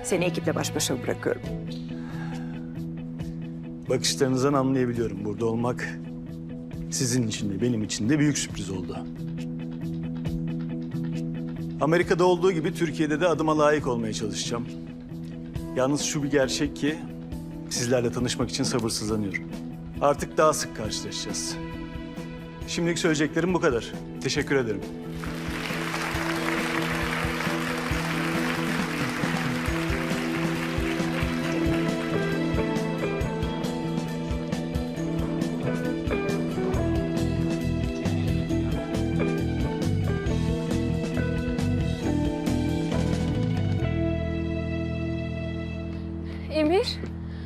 Seni ekiple baş başa bırakıyorum. Bakışlarınızdan anlayabiliyorum. Burada olmak sizin için de benim için de büyük sürpriz oldu. Amerika'da olduğu gibi Türkiye'de de adıma layık olmaya çalışacağım. Yalnız şu bir gerçek ki sizlerle tanışmak için sabırsızlanıyorum. Artık daha sık karşılaşacağız. Şimdilik söyleyeceklerim bu kadar. Teşekkür ederim. Emir?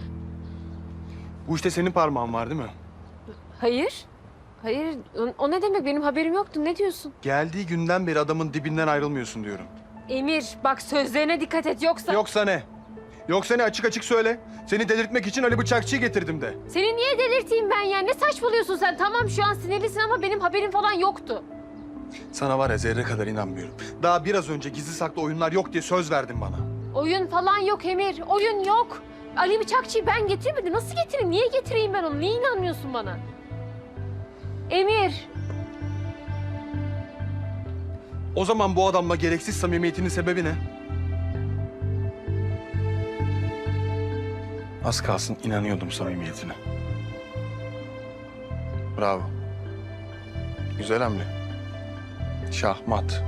Bu işte senin parmağın var değil mi? Hayır. Hayır. O ne demek? Benim haberim yoktu. Ne diyorsun? Geldiği günden beri adamın dibinden ayrılmıyorsun diyorum. Emir, bak sözlerine dikkat et yoksa... Yoksa ne? Yoksa ne? Açık açık söyle. Seni delirtmek için Ali Bıçakçı'yı getirdim de. Seni niye delirteyim ben ya? Ne saçmalıyorsun sen? Tamam şu an sinirlisin ama benim haberim falan yoktu. Sana var ya zerre kadar inanmıyorum. Daha biraz önce gizli saklı oyunlar yok diye söz verdin bana. Oyun falan yok Emir. Oyun yok. Ali Bıçakçı'yı ben getirmedim. Nasıl getireyim? Niye getireyim ben onu? Niye inanmıyorsun bana? Emir. O zaman bu adamla gereksiz samimiyetinin sebebi ne? Az kalsın inanıyordum samimiyetine. Bravo. Güzel hamle. Şahmat.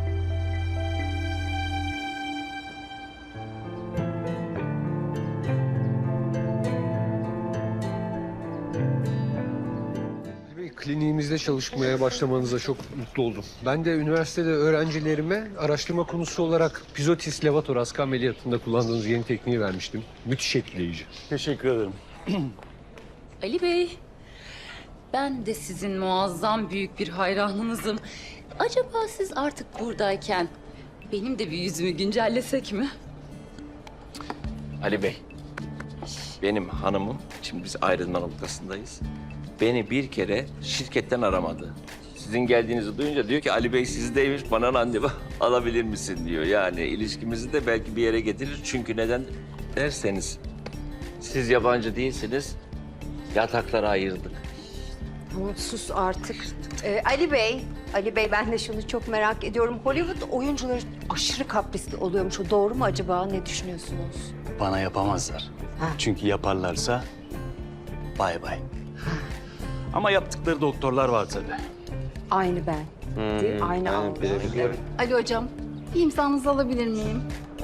Kliniğimizde çalışmaya başlamanıza çok mutlu oldum. Ben de üniversitede öğrencilerime araştırma konusu olarak pizotis levator ameliyatında kullandığınız yeni tekniği vermiştim. Müthiş etkileyici. Teşekkür ederim. Ali Bey, ben de sizin muazzam büyük bir hayranınızım. Acaba siz artık buradayken benim de bir yüzümü güncellesek mi? Ali Bey, benim hanımım, şimdi biz ayrılma noktasındayız. Beni bir kere şirketten aramadı. Sizin geldiğinizi duyunca diyor ki Ali Bey sizdeymiş, bana randevu alabilir misin diyor. Yani ilişkimizi de belki bir yere getirir. Çünkü neden derseniz siz yabancı değilsiniz, yataklara ayırdık. Tamam sus artık. Ali Bey ben de şunu çok merak ediyorum. Hollywood oyuncuları aşırı kaprisli oluyormuş. O doğru mu acaba? Ne düşünüyorsunuz? Bana yapamazlar. Ha. Çünkü yaparlarsa bay bay. Ama yaptıkları doktorlar var tabii. Aynı ben. Değil mi? Aynı algı. Ali Hocam, bir imzanızı alabilir miyim?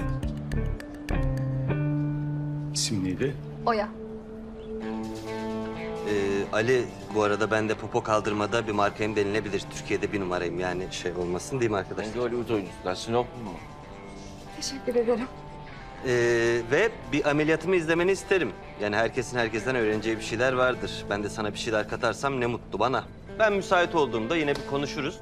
İsim neydi? Oya. Ali, bu arada ben de popo kaldırmada bir markayım denilebilir. Türkiye'de bir numarayım yani şey olmasın değil mi arkadaşlar? Ben de Hollywood oyuncusular, Sinop mu? Teşekkür ederim. Ve bir ameliyatımı izlemeni isterim. Yani herkesin herkesten öğreneceği bir şeyler vardır. Ben de sana bir şeyler katarsam ne mutlu bana. Ben müsait olduğumda yine bir konuşuruz.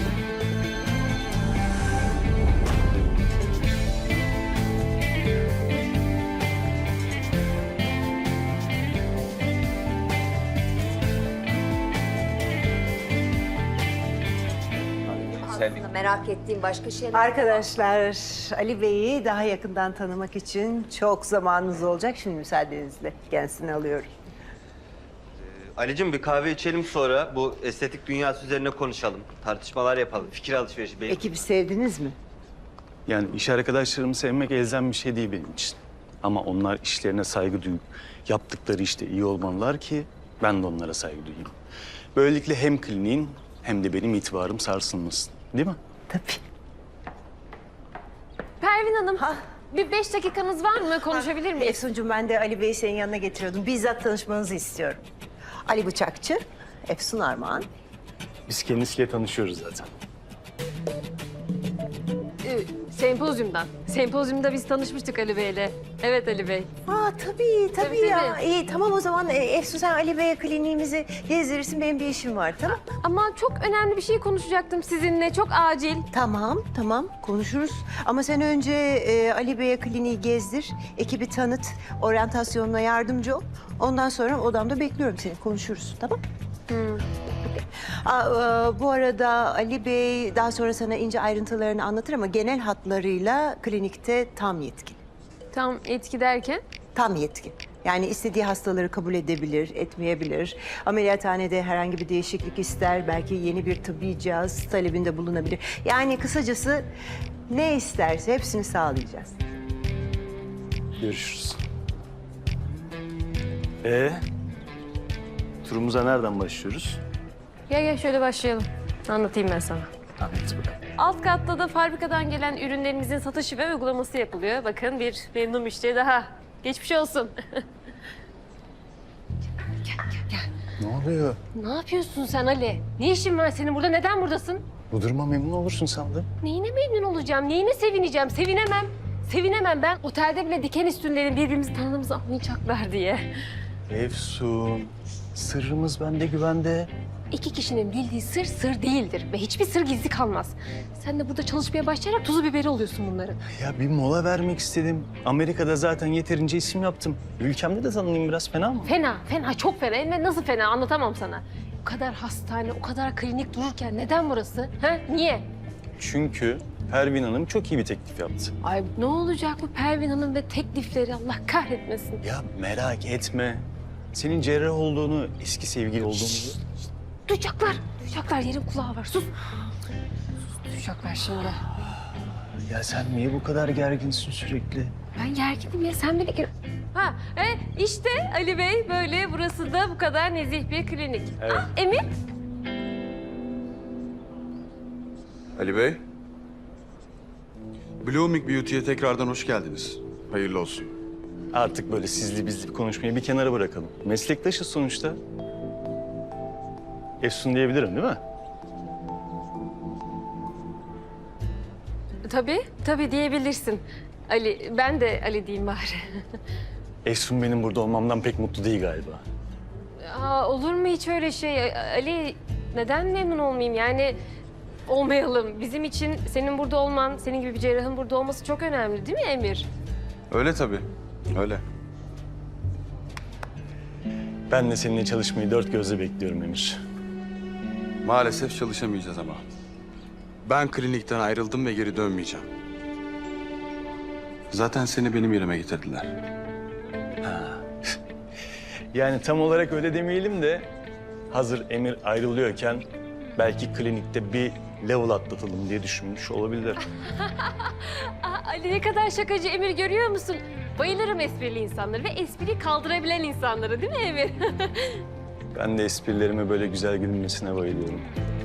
Aslında merak ettiğim başka şeyler var. Arkadaşlar, Ali Bey'i daha yakından tanımak için çok zamanınız olacak. Şimdi müsaadenizle kendisini alıyorum. Ali'cim bir kahve içelim sonra bu estetik dünyası üzerine konuşalım. Tartışmalar yapalım, fikir alışverişi. Ekibi sevdiniz mi? Yani iş arkadaşlarımı sevmek elzem bir şey değil benim için. Ama onlar işlerine saygı duyup yaptıkları işte iyi olmalılar ki ben de onlara saygı duyayım. Böylelikle hem kliniğin hem de benim itibarım sarsılmasın. Değil mi? Tabii. Pervin Hanım, bir 5 dakikanız var mı? Konuşabilir miyiz? Efsuncuğum ben de Ali Bey'i senin yanına getiriyordum. Bizzat tanışmanızı istiyorum. Ali Bıçakçı, Efsun Armağan. Biz kendisiyle tanışıyoruz zaten. Sempozyumdan. Sempozyumda biz tanışmıştık Ali Bey'le. Evet Ali Bey. Tabii Tabii, ya. tabii. İyi tamam o zaman Efsun sen Ali Bey'e kliniğimizi gezdirirsin. Benim bir işim var tamam. Ama çok önemli bir şey konuşacaktım sizinle. Çok acil. Tamam konuşuruz. Ama sen önce Ali Bey'e kliniği gezdir. Ekibi tanıt. Oryantasyonuna yardımcı ol. Ondan sonra odamda bekliyorum seni. Konuşuruz tamam? Bu arada Ali Bey daha sonra sana ince ayrıntılarını anlatır ama genel hatlarıyla klinikte tam yetkin. Tam etki derken? Tam yetki. Yani istediği hastaları kabul edebilir, etmeyebilir. Ameliyathanede herhangi bir değişiklik ister. Belki yeni bir tıbbi cihaz talebinde bulunabilir. Yani kısacası ne isterse hepsini sağlayacağız. Görüşürüz. Turumuza nereden başlıyoruz? Gel şöyle başlayalım. Anlatayım ben sana. Anlat bakalım. Alt katta da fabrikadan gelen ürünlerimizin satışı ve uygulaması yapılıyor. Bakın bir memnun müşteri daha. Geçmiş olsun. Ne oluyor? Ne yapıyorsun sen Ali? Ne işin var senin burada? Neden buradasın? Bu duruma memnun olursun sandım. Neyine memnun olacağım? Neyine sevineceğim? Sevinemem. Sevinemem. Ben otelde bile diken üstündenim birbirimizi tanıdığımızı anlayacaklar diye. Efsun, sırrımız bende güvende. İki kişinin bildiği sır sır değildir ve hiçbir sır gizli kalmaz. Sen de burada çalışmaya başlayarak tuzu biberi oluyorsun bunların. Ya bir mola vermek istedim. Amerika'da zaten yeterince isim yaptım. Ülkemde de tanınayım biraz, fena mı? Fena, çok fena. Hem nasıl fena anlatamam sana. O kadar hastane, o kadar klinik dururken neden burası? Ha? Niye? Çünkü Pervin Hanım çok iyi bir teklif yaptı. Ay ne olacak bu Pervin Hanım ve teklifleri Allah kahretmesin. Ya merak etme. Senin cerrah olduğunu, eski sevgili olduğumuzu... Duyacaklar. Yerin kulağı var. Sus. Duyacaklar şimdi. Ya sen niye bu kadar gerginsin sürekli? Ben gerginim ya, sen beni... İşte Ali Bey böyle, burası da bu kadar nezih bir klinik. Evet. Emir? Ali Bey. Blooming Beauty'ye tekrardan hoş geldiniz. Hayırlı olsun. Artık böyle sizli bizli bir konuşmayı bir kenara bırakalım. Meslektaşız sonuçta. Efsun diyebilirim değil mi? Tabii diyebilirsin. Ali, ben de Ali diyeyim bari. Efsun benim burada olmamdan pek mutlu değil galiba. Olur mu hiç öyle şey? Ali, neden memnun olmayayım? Yani olmayalım. Bizim için senin burada olman, senin gibi bir cerrahın burada olması çok önemli değil mi Emir? Öyle tabii. Öyle. Ben de seninle çalışmayı dört gözle bekliyorum Emir. Maalesef çalışamayacağız ama. Ben klinikten ayrıldım ve geri dönmeyeceğim. Zaten seni benim yerime getirdiler. Yani tam olarak öyle demeyelim de hazır Emir ayrılıyorken belki klinikte bir level atlatalım diye düşünmüş olabilir. Ali ne kadar şakacı Emir, görüyor musun? Bayılırım esprili insanları ve espriyi kaldırabilen insanları değil mi Emir? Ben de esprilerime böyle güzel gülünmesine bayılıyorum.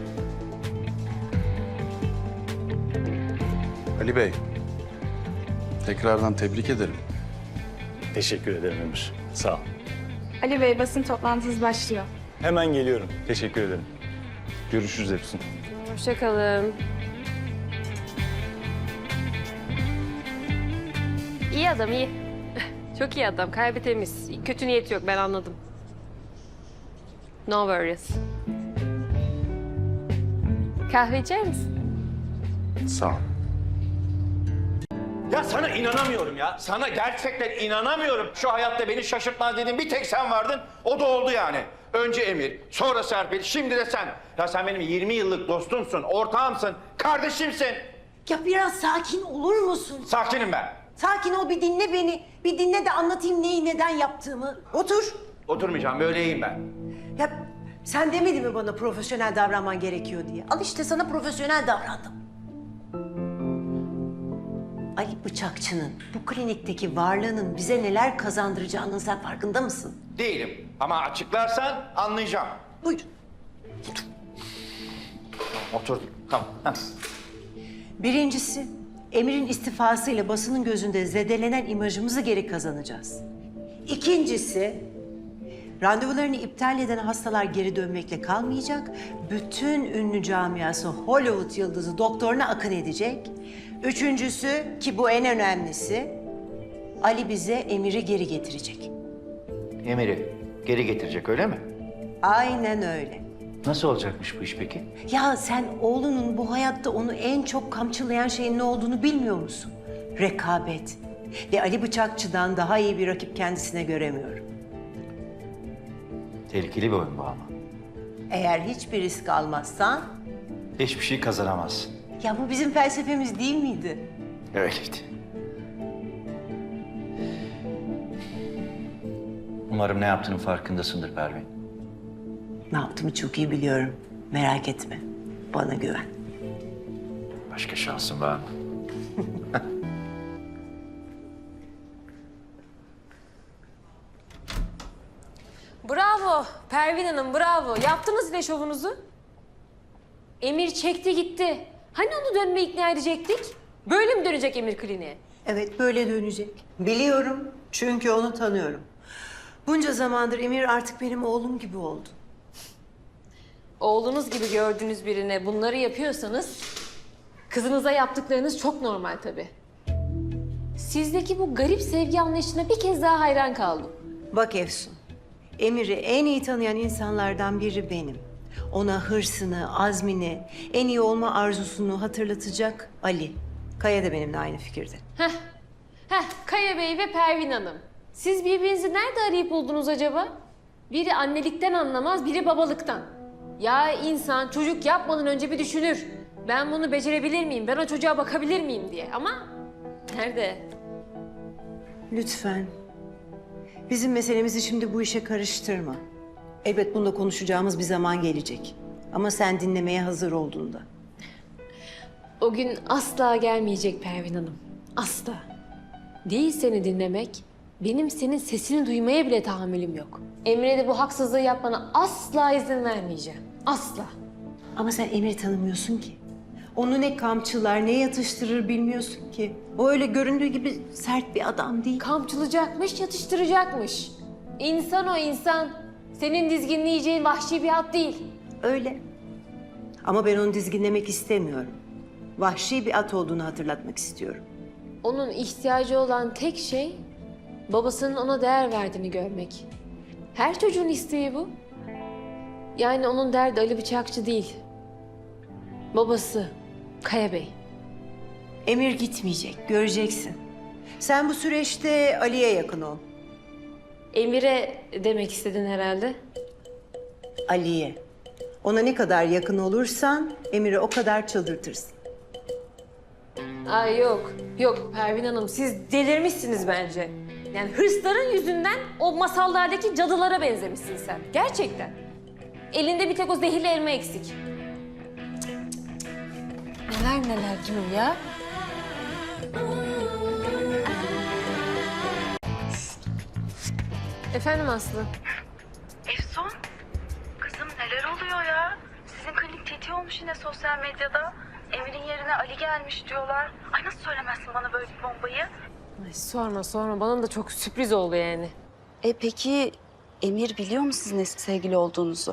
Ali Bey. Tekrardan tebrik ederim. Teşekkür ederim Emir. Sağ ol. Ali Bey, basın toplantınız başlıyor. Hemen geliyorum. Teşekkür ederim. Görüşürüz Efsun. Hoşça kalın. İyi adam, iyi. Çok iyi adam, kalbi temiz. Kötü niyeti yok, ben anladım. No worries. Kahve içer misin? Sağ ol. Ya sana inanamıyorum ya. Sana gerçekten inanamıyorum. Şu hayatta beni şaşırtmaz dediğin bir tek sen vardın. O da oldu yani. Önce Emir, sonra Serpil, şimdi de sen. Ya sen benim 20 yıllık dostumsun, ortağımsın, kardeşimsin. Ya biraz sakin olur musun? Sakinim ben. Sakin ol, bir dinle beni. Bir dinle de anlatayım neyi neden yaptığımı. Otur. Oturmayacağım, böyleyim ben. Ya sen demedin mi bana profesyonel davranman gerekiyor diye? Al işte sana profesyonel davrandım. Ali Bıçakçı'nın bu klinikteki varlığının bize neler kazandıracağının sen farkında mısın? Değilim ama açıklarsan anlayacağım. Buyur. Oturdum, tamam. Heh. Birincisi, Emir'in istifasıyla basının gözünde zedelenen imajımızı geri kazanacağız. İkincisi, randevularını iptal eden hastalar geri dönmekle kalmayacak. Bütün ünlü camiası Hollywood yıldızı doktoruna akın edecek. Üçüncüsü, ki bu en önemlisi, Ali bize Emir'i geri getirecek. Emir'i geri getirecek öyle mi? Aynen öyle. Nasıl olacakmış bu iş peki? Ya sen oğlunun bu hayatta onu en çok kamçılayan şeyin ne olduğunu bilmiyor musun? Rekabet. Ve Ali Bıçakçı'dan daha iyi bir rakip kendisine göremiyorum. Tehlikeli bir oyun bu ama. Eğer hiçbir risk almazsan... Hiçbir şey kazanamazsın. Ya bu bizim felsefemiz değil miydi? Öyleydi. Umarım ne yaptığının farkındasındır Pervin. Ne yaptığımı çok iyi biliyorum. Merak etme. Bana güven. Başka şansın var mı? Bravo Pervin Hanım, bravo. Yaptınız yine şovunuzu. Emir çekti gitti. Hani onu dönmeye ikna edecektik? Böyle mi dönecek Emir kliniğe? Evet, böyle dönecek. Biliyorum, çünkü onu tanıyorum. Bunca zamandır Emir artık benim oğlum gibi oldu. Oğlunuz gibi gördüğünüz birine bunları yapıyorsanız... ...kızınıza yaptıklarınız çok normal tabii. Sizdeki bu garip sevgi anlayışına bir kez daha hayran kaldım. Bak Efsun, Emir'i en iyi tanıyan insanlardan biri benim. Ona hırsını, azmini, en iyi olma arzusunu hatırlatacak Ali. Kaya da benimle aynı fikirde. Kaya Bey ve Pervin Hanım. Siz birbirinizi nerede arayıp buldunuz acaba? Biri annelikten anlamaz, biri babalıktan. Ya insan çocuk yapmadan önce bir düşünür. Ben bunu becerebilir miyim, ben o çocuğa bakabilir miyim diye. Ama nerede? Lütfen. Bizim meselemizi şimdi bu işe karıştırma. Elbet bunda konuşacağımız bir zaman gelecek. Ama sen dinlemeye hazır olduğunda. O gün asla gelmeyecek Pervin Hanım. Asla. Değil seni dinlemek, benim senin sesini duymaya bile tahammülüm yok. Emre de bu haksızlığı yapmana asla izin vermeyeceğim. Asla. Ama sen Emir'i tanımıyorsun ki. Onu ne kamçılar, ne yatıştırır bilmiyorsun ki. O öyle göründüğü gibi sert bir adam değil. Kamçılacakmış, yatıştıracakmış. İnsan o insan. Senin dizginleyeceğin vahşi bir at değil. Öyle. Ama ben onu dizginlemek istemiyorum. Vahşi bir at olduğunu hatırlatmak istiyorum. Onun ihtiyacı olan tek şey babasının ona değer verdiğini görmek. Her çocuğun isteği bu. Yani onun derdi Ali Bıçakçı değil. Babası Kaya Bey. Emir gitmeyecek, göreceksin. Sen bu süreçte Ali'ye yakın ol. Emir'e demek istedin herhalde. Ali'ye. Ona ne kadar yakın olursan Emir'i o kadar çıldırtırsın. Ay yok, yok Pervin Hanım siz delirmişsiniz bence. Yani hırsların yüzünden o masallardaki cadılara benzemişsin sen. Gerçekten. Elinde bir tek o zehirli elma eksik. Cık, cık, cık. Neler neler diyor ya. Efendim Aslı? Efsun, kızım neler oluyor ya? Sizin klinik TT olmuş yine sosyal medyada. Emir'in yerine Ali gelmiş diyorlar. Ay nasıl söylemezsin bana böyle bir bombayı? Ay sorma. Bana da çok sürpriz oldu yani. Peki Emir biliyor mu sizin eski sevgili olduğunuzu?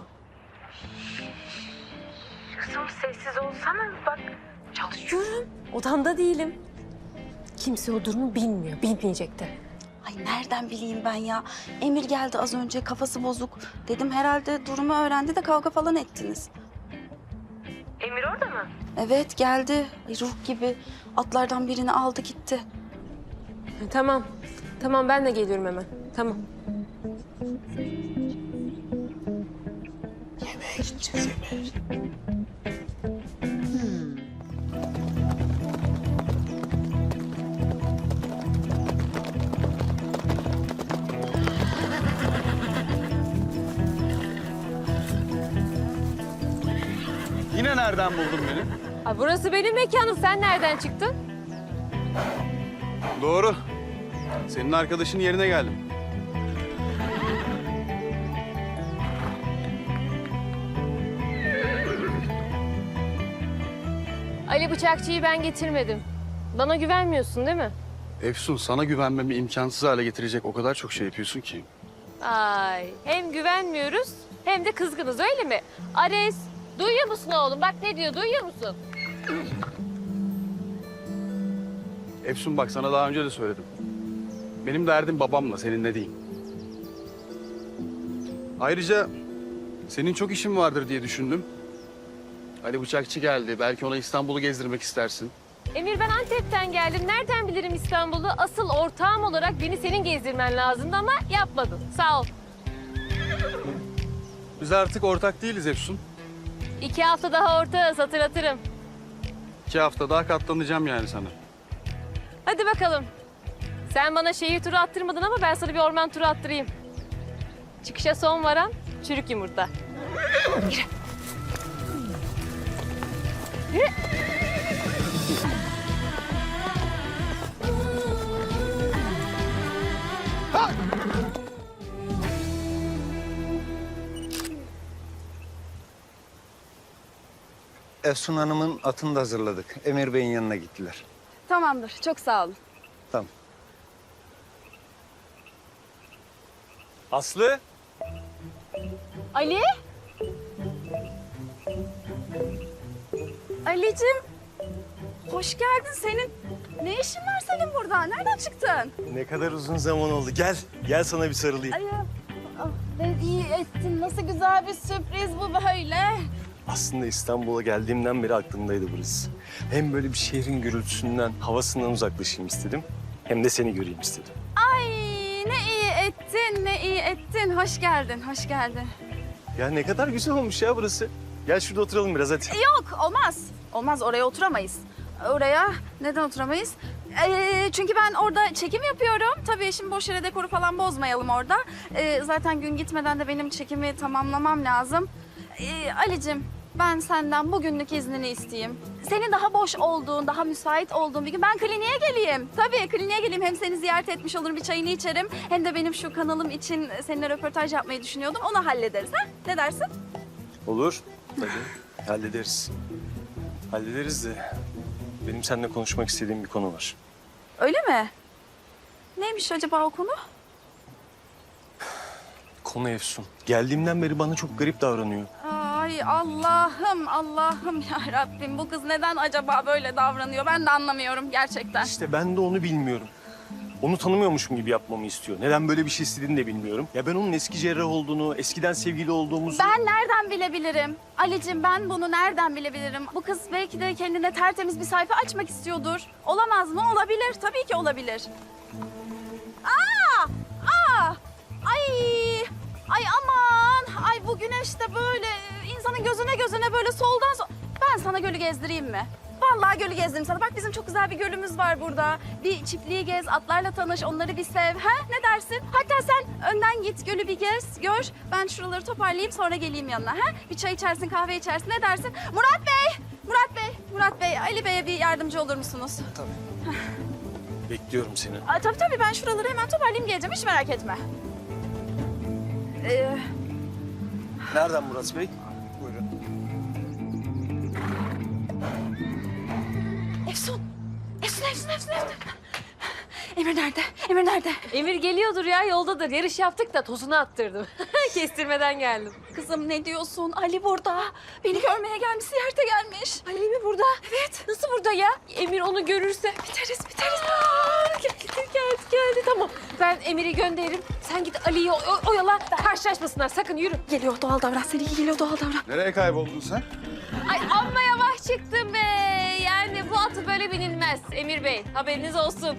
Kızım sessiz olsana bak. Çalışıyorum. Odamda değilim. Kimse o durumu bilmiyor, bilmeyecek de. Ay nereden bileyim ben ya? Emir geldi az önce kafası bozuk. Dedim herhalde durumu öğrendi de kavga falan ettiniz. Emir orada mı? Evet geldi. Ay, ruh gibi atlardan birini aldı gitti. Tamam ben de geliyorum hemen. Tamam. Yine nereden buldun beni? Ay, burası benim mekanım. Sen nereden çıktın? Doğru. Senin arkadaşın yerine geldim. Ali Bıçakçı'yı ben getirmedim. Bana güvenmiyorsun değil mi? Efsun, sana güvenmemi imkansız hale getirecek o kadar çok şey yapıyorsun ki. Ay hem güvenmiyoruz hem de kızgınız öyle mi? Ares duyuyor musun oğlum? Bak ne diyor duyuyor musun? Efsun bak sana daha önce de söyledim. Benim derdim babamla, seninle değil. Ayrıca senin çok işin vardır diye düşündüm. Ali Bıçakçı geldi. Belki ona İstanbul'u gezdirmek istersin. Emir ben Antep'ten geldim. Nereden bilirim İstanbul'u? Asıl ortağım olarak beni senin gezdirmen lazımdı ama yapmadın. Sağ ol. Biz artık ortak değiliz Efsun. 2 hafta daha ortağız hatırlatırım. 2 hafta daha katlanacağım yani sana. Hadi bakalım. Sen bana şehir turu attırmadın ama ben sana bir orman turu attırayım. Çıkışa son varan çürük yumurta. Efsun Hanım'ın atını da hazırladık. Emir Bey'in yanına gittiler. Tamamdır. Çok sağ olun. Tamam. Aslı? Ali? Ali'cim. Hoş geldin. Senin ne işin var senin burada? Nereden çıktın? Ne kadar uzun zaman oldu. Gel. Gel sana bir sarılayım. Ay, ne iyi ettin. Nasıl güzel bir sürpriz bu böyle. Aslında İstanbul'a geldiğimden beri aklımdaydı burası. Hem böyle bir şehrin gürültüsünden, havasından uzaklaşayım istedim. Hem de seni göreyim istedim. Ay ne iyi ettin, ne iyi ettin. Hoş geldin, hoş geldin. Ya ne kadar güzel olmuş ya burası. Gel şurada oturalım biraz hadi. Yok, olmaz. Olmaz, oraya oturamayız. Oraya neden oturamayız? Çünkü ben orada çekim yapıyorum. Tabii şimdi boş yere dekoru falan bozmayalım orada. Zaten gün gitmeden de benim çekimi tamamlamam lazım. Ali'cim, ben senden bugünlük iznini isteyeyim. Senin daha boş olduğun, daha müsait olduğun bir gün ben kliniğe geleyim. Tabii kliniğe geleyim. Hem seni ziyaret etmiş olurum, bir çayını içerim. Hem de benim şu kanalım için seninle röportaj yapmayı düşünüyordum. Onu hallederiz ha? Ne dersin? Olur. Tabii. Hallederiz. Hallederiz de benim seninle konuşmak istediğim bir konu var. Öyle mi? Neymiş acaba o konu? Konu Efsun. Geldiğimden beri bana çok garip davranıyor. Ay Allah'ım, Allah'ım ya Rabbim. Bu kız neden acaba böyle davranıyor? Ben de anlamıyorum gerçekten. İşte ben de onu bilmiyorum. Onu tanımıyormuşum gibi yapmamı istiyor. Neden böyle bir şey istediğini de bilmiyorum. Ya ben onun eski cerrah olduğunu, eskiden sevgili olduğumuzu... Ben nereden bilebilirim? Ali'cim ben bunu nereden bilebilirim? Bu kız belki de kendine tertemiz bir sayfa açmak istiyordur. Olamaz mı? Olabilir. Tabii ki olabilir. Aa! Aa! Ay! Ay aman! Ay bu güneş de böyle insanın gözüne böyle soldan... Ben sana gölü gezdireyim mi? Vallahi gölü gezdireyim sana. Bak bizim çok güzel bir gölümüz var burada. Bir çiftliği gez, atlarla tanış, onları bir sev. Ha? Ne dersin? Hatta sen önden git, gölü bir gez, gör. Ben şuraları toparlayayım sonra geleyim yanına. Ha? Bir çay içersin, kahve içersin. Ne dersin? Murat Bey! Murat Bey! Murat Bey, Ali Bey'e bir yardımcı olur musunuz? Tabii. Bekliyorum seni. Tabii ben şuraları hemen toparlayayım geleceğim. Hiç merak etme. Nereden Murat Bey? Buyurun. Efsun! Efsun! Emir nerede? Emir nerede? Emir geliyordur ya, yoldadır. Yarış yaptık da tozunu attırdım. Kestirmeden geldim. Kızım ne diyorsun? Ali burada. Beni görmeye gelmiş, ziyarete gelmiş. Ali mi burada? Evet. Nasıl burada ya? Emir onu görürse Biteriz. geldi. Tamam. Ben Emir'i gönderirim. Sen git Ali'yi oyala. Karşılaşmasınlar. Sakın yürü. Geliyor doğal davran. Seninki geliyor doğal davran. Nereye kayboldun sen? Ay amma yavaş çıktım be. Yani bu atı böyle binilmez Emir Bey. Haberiniz olsun.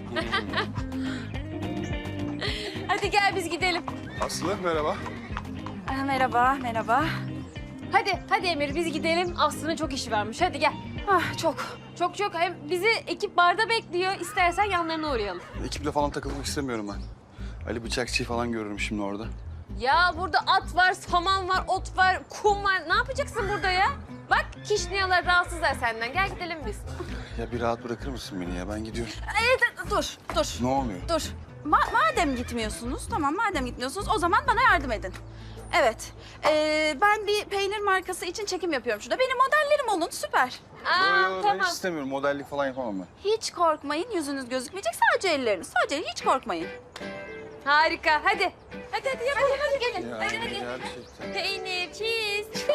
Hadi gel biz gidelim. Aslı merhaba. Merhaba. Hadi Emir biz gidelim. Aslı'nın çok işi varmış. Hadi gel. Çok. Çok. Hem bizi ekip barda bekliyor. İstersen yanlarına uğrayalım. Ekiple falan takılmak istemiyorum ben. Ali Bıçakçı'yı falan görürüm şimdi orada. Ya burada at var, saman var, ot var, kum var. Ne yapacaksın burada ya? Bak kişniyalar rahatsızlar senden. Gel gidelim biz. Ya bir rahat bırakır mısın beni ya? Ben gidiyorum. Dur. Ne oluyor? Dur. Madem gitmiyorsunuz, o zaman bana yardım edin. Evet. Ben bir peynir markası için çekim yapıyorum şurada. Benim modellerim olun, süper. Ben Tamam. hiç istemiyorum. Modellik falan yapamam ben. Hiç korkmayın, yüzünüz gözükmeyecek. Sadece elleriniz. Sadece hiç korkmayın. Harika. Hadi yapalım. Hadi gelin. Ya, Hadi. gerçekten. Peynir, cheese.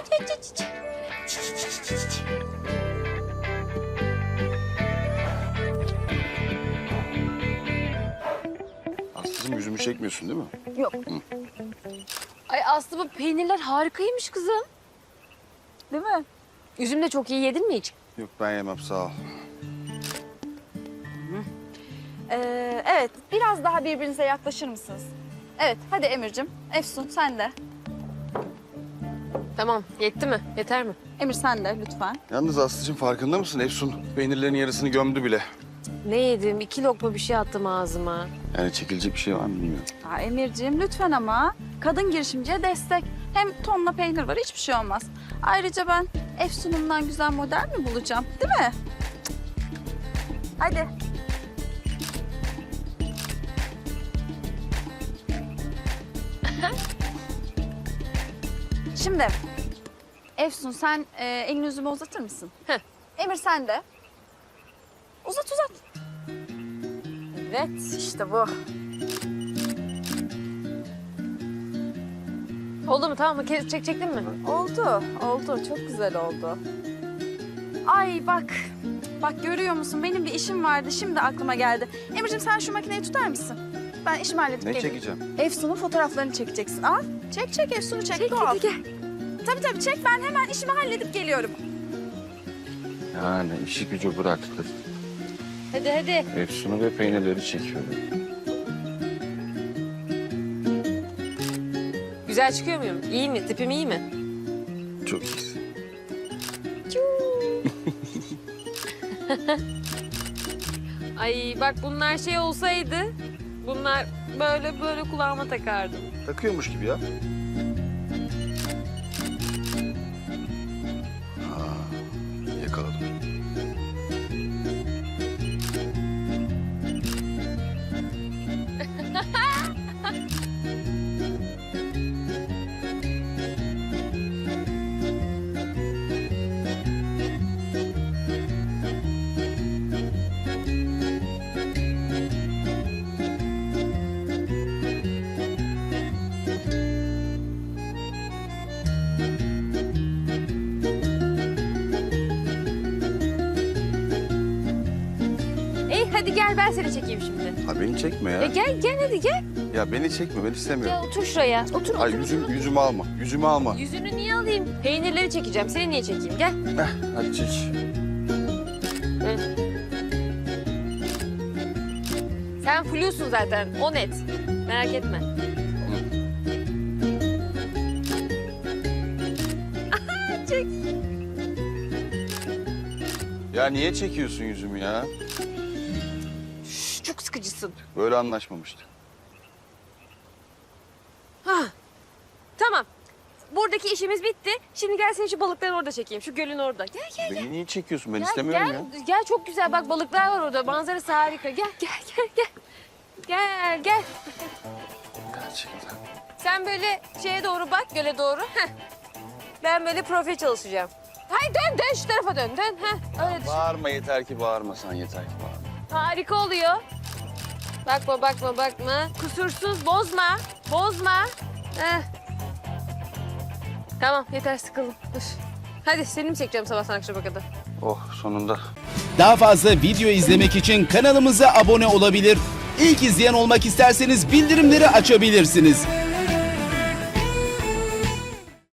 Aslı'cığım yüzümü çekmiyorsun değil mi? Yok. Ay Aslı bu peynirler harikaymış kızım. Değil mi? Üzüm de çok iyi yedin mi hiç? Yok ben yemem sağ ol. Evet, biraz daha birbirinize yaklaşır mısınız? Evet, hadi Emir'cim. Efsun, sen de. Tamam. Yetti mi? Yeter mi? Emir sen de lütfen. Yalnız Aslı'cığım farkında mısın? Efsun peynirlerin yarısını gömdü bile. Ne yedim? 2 lokma bir şey attım ağzıma. Yani çekilecek bir şey var mı bilmiyorum. Emir'cim lütfen ama. Kadın girişimciye destek. Hem tonla peynir var, hiçbir şey olmaz. Ayrıca ben Efsun'umdan güzel model mi bulacağım, değil mi? Cık. Hadi. Şimdi Efsun sen elini yüzüme uzatır mısın? Heh. Emir sen de. Uzat uzat. Evet işte bu. Oldu mu, tamam mı? Çektin mi? Oldu, oldu. Çok güzel oldu. Ay bak görüyor musun? Benim bir işim vardı, şimdi aklıma geldi. Emir'cim sen şu makineyi tutar mısın? Ben işimi halledip Ne geleyim. çekeceğim? Efsun'un fotoğraflarını çekeceksin. Al, çek Efsun'u çek. Doğal. gel. Tabii çek, ben hemen işimi halledip geliyorum. Yani işi gücü bıraktı. Hadi. Efsun'u ve peynirleri çekiyorum. Güzel çıkıyor muyum? İyi mi? Tipim iyi mi? Çok iyisin. Ay bak bunlar şey olsaydı, bunlar böyle kulağıma takardım. Takıyormuş gibi ya. Yakaladım. Hadi gel ben seni çekeyim şimdi. Ha beni çekme ya. Gel hadi gel. Ya beni çekme, ben istemiyorum. Gel otur şuraya. Otur. Ay yüzümü alma, yüzümü alma. Yüzünü niye alayım? Peynirleri çekeceğim. Seni niye çekeyim? Gel. Hadi çek. Sen flusun zaten. O net. Merak etme. Çek. Ya niye çekiyorsun yüzümü ya? Çok sıkıcısın. Böyle anlaşmamıştık. Tamam. Buradaki işimiz bitti. Şimdi gel seni şu balıkları orada çekeyim. Şu gölün orada. Gel. Beni niye çekiyorsun? Ben Gel, istemiyorum gel. ya. Gel çok güzel. Bak balıklar var orada. Manzarası harika. Gel. Gel. Gerçekten. Sen böyle şeye doğru bak, göle doğru. Heh. Ben böyle profil çalışacağım. Hayır dön şu tarafa dön. Heh. Öyle düşün. Bağırma, yeter ki bağırmasan, yeter ki bağırma. Harika oluyor. Bakma. Kusursuz, bozma. Heh. Tamam, yeter sıkıldım. Dur. Hadi seni mi çekeceğim sabahtan akşama kadar? Oh, sonunda. Daha fazla video izlemek için kanalımıza abone olabilir. İlk izleyen olmak isterseniz bildirimleri açabilirsiniz.